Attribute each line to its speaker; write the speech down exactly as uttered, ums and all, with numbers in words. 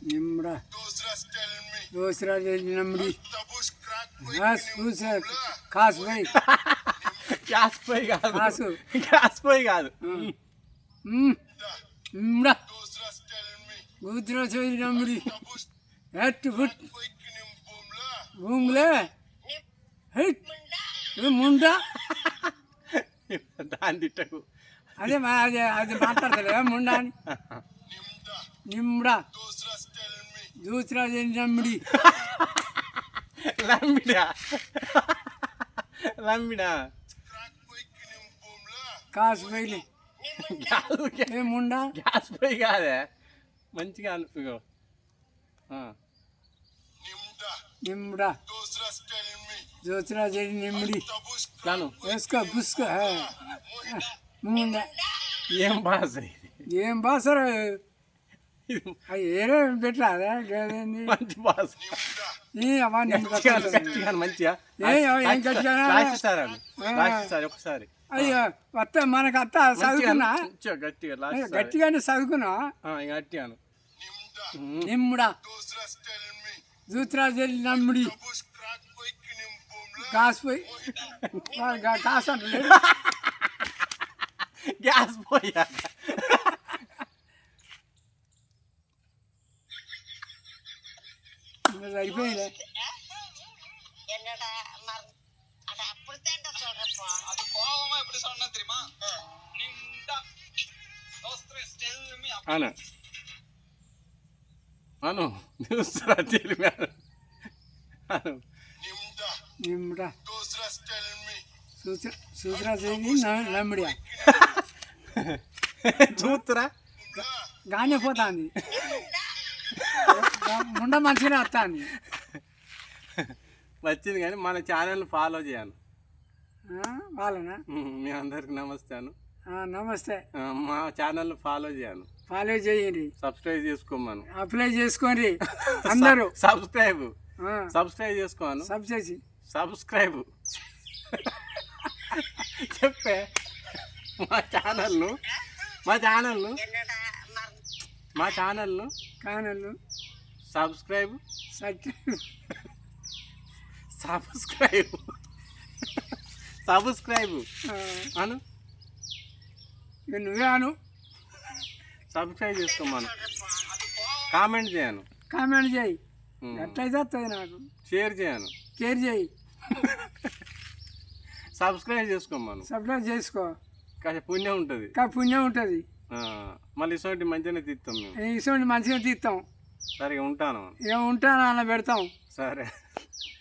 Speaker 1: నిమ్రా దూసరా నమ్మిడి కాసు పోయి
Speaker 2: గ్యాస్ పోయి కాదు
Speaker 1: కాసు
Speaker 2: గ్యాస్ పోయి కాదు
Speaker 1: నిమ్రా కూతురు చోయి నమ్మిడి హెట్ ఫుట్ భూములే హెట్ ముండా
Speaker 2: దాని తిట్టకు
Speaker 1: అదే మా అదే అది మాట్లాడతలే ముండా అని నిమ్రా దూసరా నమ్మిడి
Speaker 2: లంబిడా లంబిడా
Speaker 1: కాసు పోయి
Speaker 2: గ్యాస్
Speaker 1: ఏ ముండా
Speaker 2: గ్యాస్ పోయి కాదే మంచిగా అను ఇగో
Speaker 1: నిమ్రా దూసరా నిమ్మిడి
Speaker 2: కాను
Speaker 1: వేసుకో పుసుకో ముండా
Speaker 2: ఏం భాష ఇది
Speaker 1: ఏం బాసరా అది ఏరే పెట్టరాదా గదేంది
Speaker 2: మంచి భాష
Speaker 1: ఈ అమ్మా నిమ్మ
Speaker 2: గట్టిగా మంచిగా
Speaker 1: ఏ ఏం గట్టిగా
Speaker 2: రాసిస్తారు రాసిస్తారు ఒకసారి
Speaker 1: అయ్యో వస్తా మనకు అత్త చదువుకున్నా
Speaker 2: మంచిగా గట్టిగా
Speaker 1: గట్టిగానే చదువుకున్నా
Speaker 2: గట్టిగాను
Speaker 1: నిమ్ముడా దూసరా నమ్మిడి కాసు పోయి కాసు అంటలేదు
Speaker 2: గ్యాస్ పోయా
Speaker 1: సరిపోయింది
Speaker 2: అను అను దూసరా చెల్లి అను
Speaker 1: నిమ్ముడా దూసరా నమ్మిడియా
Speaker 2: చూతురా
Speaker 1: గానే పోతాంది ముండ మంచిగానే వస్తుంది
Speaker 2: వచ్చింది కానీ మన ఛానల్ ఫాలో చేయను
Speaker 1: వాళ్ళనా
Speaker 2: మీ అందరికి నమస్తాను
Speaker 1: నమస్తే
Speaker 2: మా ఛానల్ ఫాలో చేయను
Speaker 1: ఫాలో చేయండి
Speaker 2: సబ్స్క్రైబ్ చేసుకోమను
Speaker 1: అప్లై చేసుకోండి అందరూ
Speaker 2: సబ్స్క్రైబ్ సబ్స్క్రైబ్ చేసుకోను
Speaker 1: సబ్ చేసి
Speaker 2: సబ్స్క్రైబ్ చెప్పే మా ఛానల్ను మా ఛానల్ను మా ఛానల్ను
Speaker 1: ఛానల్
Speaker 2: సబ్స్క్రైబ్
Speaker 1: సబ్స్క్రైబ్
Speaker 2: సబ్స్క్రైబ్ అను
Speaker 1: నువ్వే అను
Speaker 2: సబ్స్క్రైబ్ చేసుకోమను కామెంట్ చేయను
Speaker 1: కామెంట్ చేయి ఎట్లయితే వస్తుంది నాకు
Speaker 2: షేర్ చేయను
Speaker 1: కేర్ చేయి
Speaker 2: సబ్స్క్రైబ్ చేసుకోమను
Speaker 1: సబ్స్క్రైబ్ చేసుకో
Speaker 2: కాస్త పుణ్యం ఉంటుంది
Speaker 1: కా పుణ్యం ఉంటుంది
Speaker 2: మళ్ళీ ఇటువంటి మంచిగానే తీస్తాం మేము
Speaker 1: ఇటువంటి మంచిగా తీస్తాం
Speaker 2: సరిగా ఉంటాను
Speaker 1: ఏం ఉంటాను అలా పెడతాం
Speaker 2: సరే